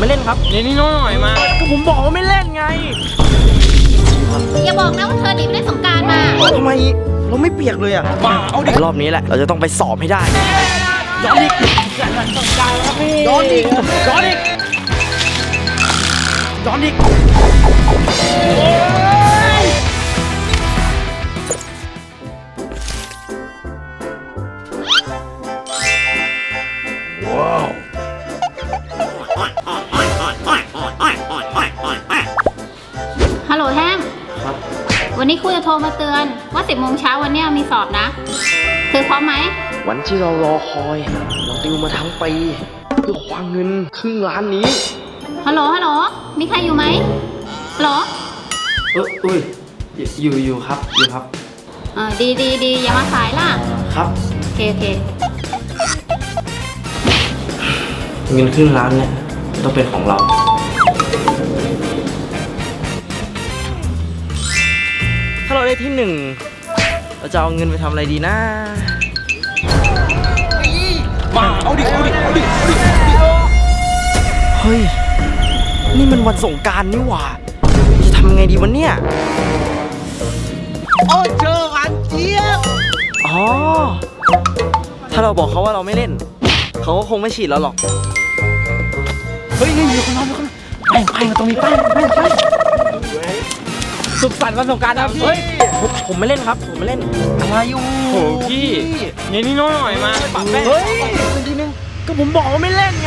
ไม่เล่นครับนี่นี่น้อยมาก็ผมบอกว่าไม่เล่นไงอย่าบอกนะว่าเธอหนีไปเล่นสงกรานต์มาทำไมเราไม่เปียกเลยอ่ะเอาดิรอบนี้แหละเราจะต้องไปสอบให้ได้ย้อนอีกย้อนอีกย้อนอีกย้อนอีกว้าวฮัลโหลแท่งครับวันนี้ครูจะโทรมาเตือนว่า10 โมงเช้าวันนี้มีสอบนะเธอพร้อมไหมวันที่เรารอคอยเราติวมาทั้งปีเพื่อคว้าเงินครึ่งล้านนี้ฮัลโหลฮัลโหลมีใครอยู่ไหมฮัลโหลอุ้ยอยู่ครับอยู่ครับดีอย่ามาสายล่ะครับโอเคเงินครึ่งล้านเนี่ยต้องเป็นของเราถ้าเราได้ที่หนึ่งเราจะเอาเงินไปทำอะไรดีนะมาเอาดิเฮ้ยนี่มันวันสงกรานต์นี่หว่าจะทำไงดีวะเนี่ยเจออันเจี๊ยบอ๋อถ้าเราบอกเขาว่าเราไม่เล่นเขาก็คงไม่ฉีดเราหรอกเฮ้ยมีคนนอนไปมาตรงนี้ไปสุขสันต์วันสงกรานต์นะพี่เฮ้ยผมไม่เล่นครับผมไม่เล่นอะไรอยู่โหพี่นี่น้อยมาปากแป้งเฮ้ยทีนึงก็ผมบอกว่าไม่เล่นไง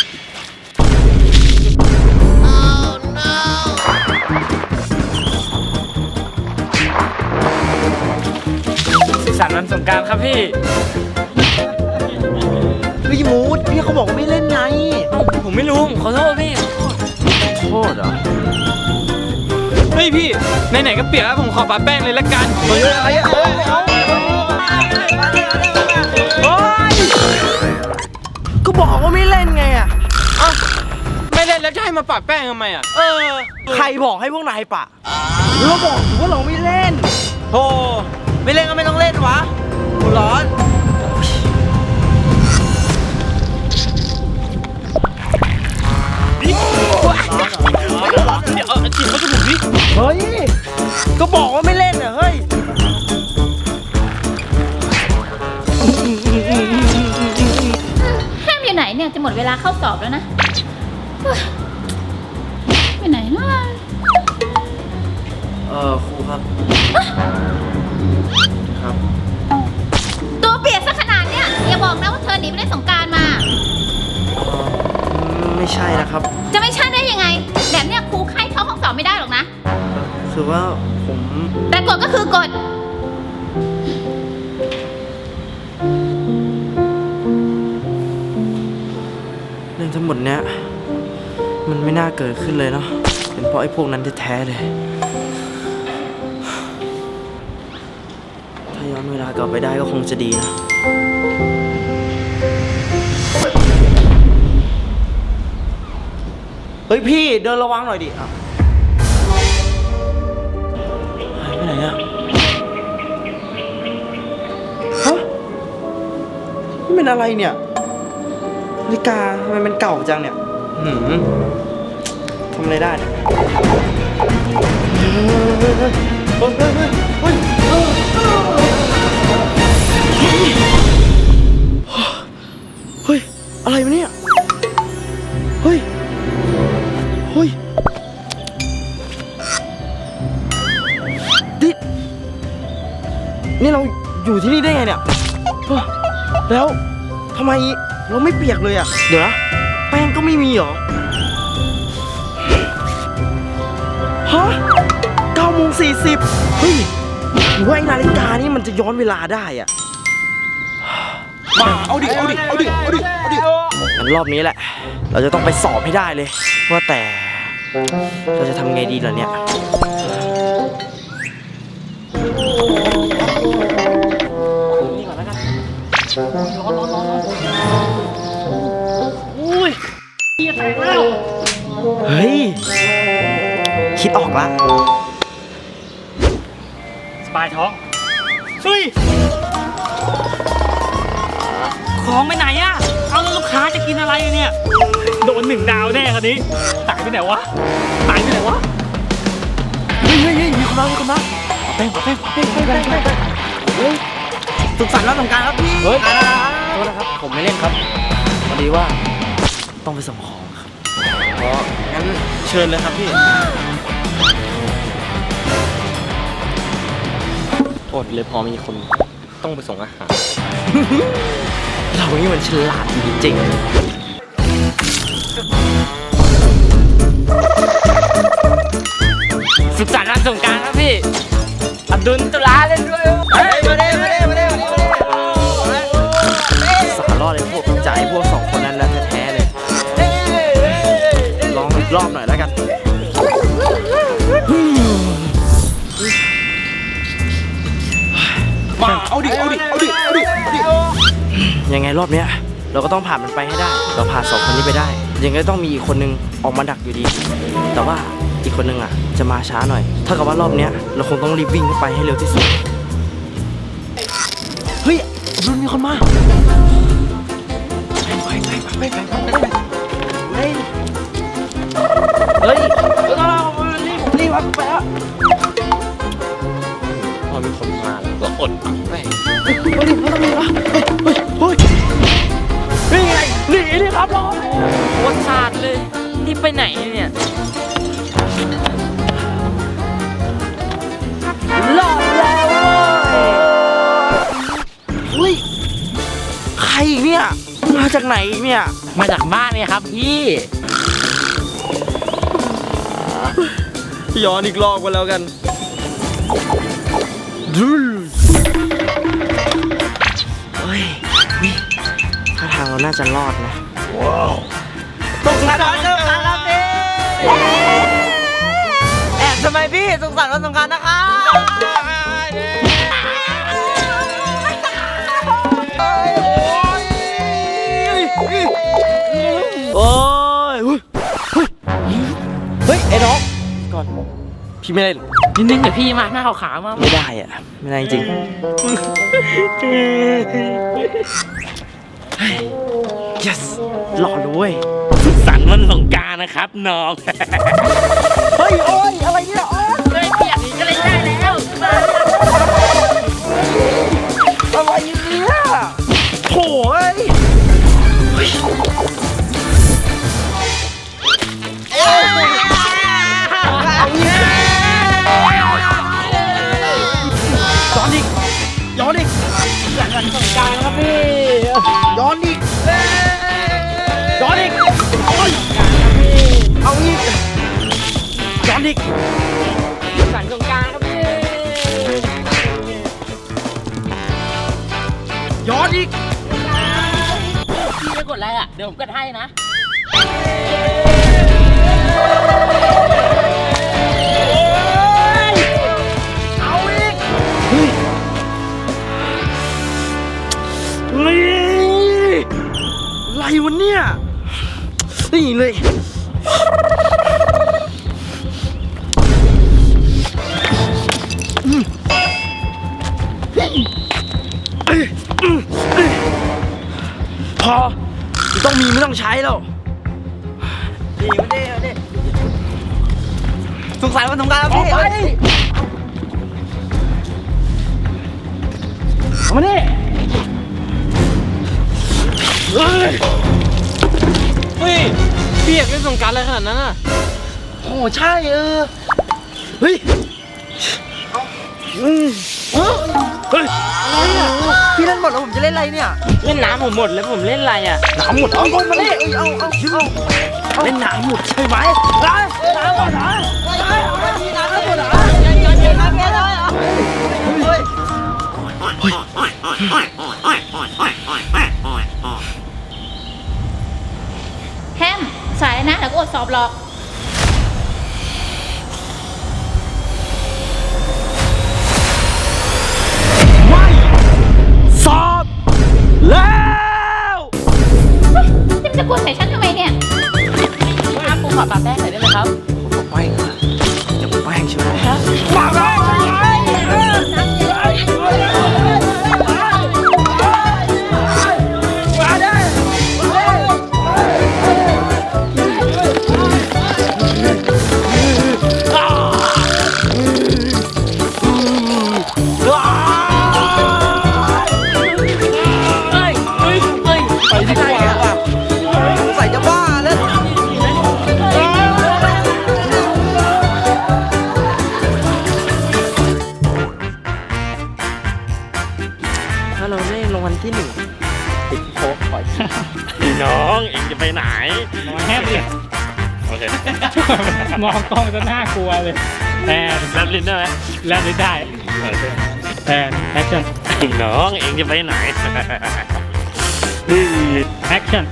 สุขสันต์วันสงกรานต์ครับพี่มูดพี่เขาบอกว่าไม่เล่นไงผมไม่รู้ขอโทษพี่โทษเหรอเฮ้ยพี่ไหนๆก็เปียกแล้วผมขอปาแป้งเลยละกันเฮ้ยอะไรอ่ะก็บอกว่าไม่เล่นไงอ่ะไม่เล่นแล้วจะให้มาปาแป้งทำไมอ่ะใครบอกให้พวกนายปะเราบอกว่าเราไม่เล่นโธ่ไม่เล่นก็ไม่ต้องเล่นวะหัวร้อนเดี๋ยวจิบเขาจะบุกดิเฮ้ยก็บอกว่าไม่เล่นอ่ะเฮ้ยห้ามอยู่ไหนเนี่ยจะหมดเวลาเข้าสอบแล้วนะไปไหนล่ะครูครับครับตัวเปียกซะขนาดเนี้ยอย่าบอกนะว่าเธอหนีไปเล่นสงกรานต์มาไม่ใช่นะครับจะไม่ใช่ได้ยังไงแบบเนี้ยครูให้เข้าห้องสอบไม่ได้หรอกนะคือว่าผมแต่กฎก็คือกฎเรื่องทั้งหมดเนี้ยมันไม่น่าเกิดขึ้นเลยเนาะเป็นเพราะไอ้พวกนั้นแท้ๆเลยถ้าย้อนเวลากลับไปได้ก็คงจะดีนะเฮ้ยพี่เดินระวังหน่อยดิหายไปไหนอะฮะนี่เป็นอะไรเนี่ยนาฬิกาทำไมมันเก่าจังเนี่ยทำอะไรได้เนี่ยเฮ้ยอะไรวะเนี่ยเฮ้ยนี่เราอยู่ที่นี่ได้ไงเนี่ยแล้วทำไมเราไม่เปียกเลยอ่ะเดี๋ยวนะแป้งก็ไม่มีเหรอฮะ9:40เฮ้ยหรือว่าไอ้นาฬิกานี่มันจะย้อนเวลาได้อ่ะมาเอาดิงั้นรอบนี้แหละเราจะต้องไปสอบให้ได้เลยว่าแต่เราจะทำไงดีล่ะเนี่ยนี่ก่อนแล้วกันร้อนอุ้ยเหี้ยแตกแล้วเฮ้ยคิดออกละสบายท้องเฮ้ยของไปไหนอะเอาแล้วลูกค้าจะกินอะไรเนี่ยโดน1 ดาวแน่ครับนี้หายไปไหนวะหายไปไหนวะเฮ้ยมีคนมาแป้งสุขสันต์วันสงกรานต์ครับพี่เฮ้ยโทษนะครับผมไม่เล่นครับพอดีว่าต้องไปส่งของครับงั้นเชิญเลยครับพี่โทษเลยพอมีคนต้องไปส่งอาหาร เรานี่มันฉลาดจริงๆสุขสันต์วันสงกรานต์ครับพี่อับดุลตุลาเล่นด้วยมาเด้สารรอดเลยพวกใจพวกสองคนนั้นแล้วแท้ๆเลยลองอีกรอบหน่อยแล้วกันมาเอาดิยังไงรอบเนี้ยเราก็ต้องผ่านมันไปให้ได้เราผ่านสองคนนี้ไปได้ยังไงต้องมีอีกคนนึงออกมาดักอยู่ดีแต่ว่าอีกคนนึงอ่ะจะมาช้าหน่อยถ้ากับว่ารอบเนี้ยเราคงต้องรีบวิ่งเข้าไปให้เร็วที่สุดเฮ้ยรุ่นมีคนมาไปเฮ้ยรีบไปแล้วพอมีคนมาเราอดไปเฮ้ยนี่ไงหนีดิครับรอโคตรขาดเลยนี่ไปไหนเนี่ยรอดแล้วเฮ้ยใครอีกเนี่ยมาจากไหนอีกเนี่ยมาจากบ้านเนี่ยครับพี่ย้อนอีกรอบกันแล้วกันเฮ้ยถ้าทางเราน่าจะรอดนะว้าวสุขสันต์วันสงกรานต์ครับพี่แอบทำไมพี่สุขสันต์วันสงกรานต์นะครับโอ้ยเฮ้ยไอ้น้องก่อนพี่ไม่ได้นิ่งๆเดี๋ยวพี่มาหน้าขาวๆมาไม่ได้อะไม่ได้จริงyes หล่อเลยสุขสันต์วันสงกรานต์นะครับน้องเฮ้ยโอ้ยอะไรเนี่ยเฮ้ยเปียกนี้ก็เล่นได้แล้วอะไรเนี่ยโถ่เอ้ยย้อนอีกสงกรานต์ครับพี่ย้อนอีกเอาอีกย้อนอีกสันสงกรานต์ครับพี่ย้อนอีกพี่จะกดอะไรอ่ะเดี๋ยวผมกดให้นะเอาอีกอะไรวะเนี่ยนี่เลยพอต้องมีไม่ต้องใช้แล้วดีมาดิสุขสันต์วันสงกรานต์ครับพี่เอามาดิเฮ้ยเปียกเป็นสงกรานต์อะไรขนาดนั้นอ่ะโอ้ใช่เฮ้ยเฮ้ยอะไรอ่ะพี่เล่นหมดแล้วผมจะเล่นอะไรเนี่ยเล่นน้ำผมหมดแล้วผมเล่นอะไรอ่ะน้ำหมดเอาคนมาเล่นเอาเล่นน้ำหมดใช่ไหมน้ำหมดเหรอน้ำหมดเหรอแฮมสายนะเดี๋ยวก็อดสอบหรอกไม่สอบแล้วจะกวนใส่ฉันทำไมเนี่ยผมขอปะแป้งหน่อยได้ไหมครับแป้งเหรออย่าแป้งใช่ไหมปะแป้งมองกล้องจะน่ากลัวเลยแอนแลบลิ้นได้ไหมแล้วไม่ได้แอนแอคชั่นน้องเองจะไปไหนแอคชั่น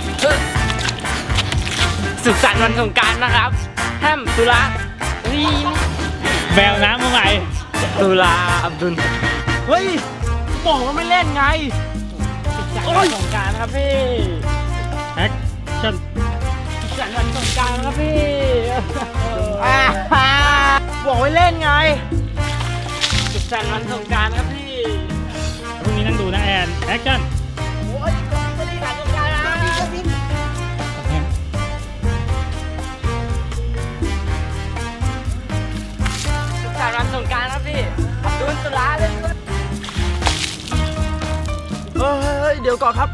สุขสันต์วันสงกรานต์นะครับแฮมตุลานี่แววน้ำมาใหม่ตุลาอับดุลเฮ้ยบอกว่าไม่เล่นไงโอ้ยสงกรานต์ครับพี่แอคชั่นสุขสันต์วันสงกรานต์ครับพี่บอกให้เล่นไงสุขสันต์วันสงกรานต์ครับพี่พรุ่งนี้นั่งดูนะแอนแอคชั่นโอ้ยไม่ได้ถ่ายสงกรานต์นะสุขสันต์วันสงกรานต์ครับพี่อับดุลตุลาเลยเฮ้ยเดี๋ยวก่อนครับ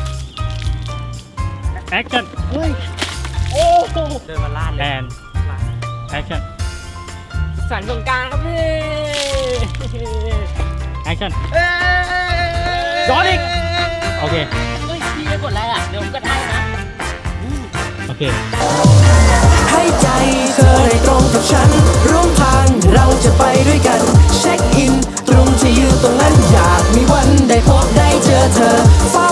แอคชั่นเฮ้ย โอ้โหเดินมาลาดเลแอย นแอคชั่นสุขสันต์สงกรานต์ครับพี่แอคชั่นย้อนอีกโอเคเฮ้ยพี่จะกดอะไรอ่ะเดี๋ยวผมกดให้นะโอเคให้ใจเธอได้ตรงกับฉัน ร่วมทางเราจะไปด้วยกัน เช็คอิน ตรงที่อยู่ตรงนั้นอยากมีวันได้พบได้เจอเธอเฝ้า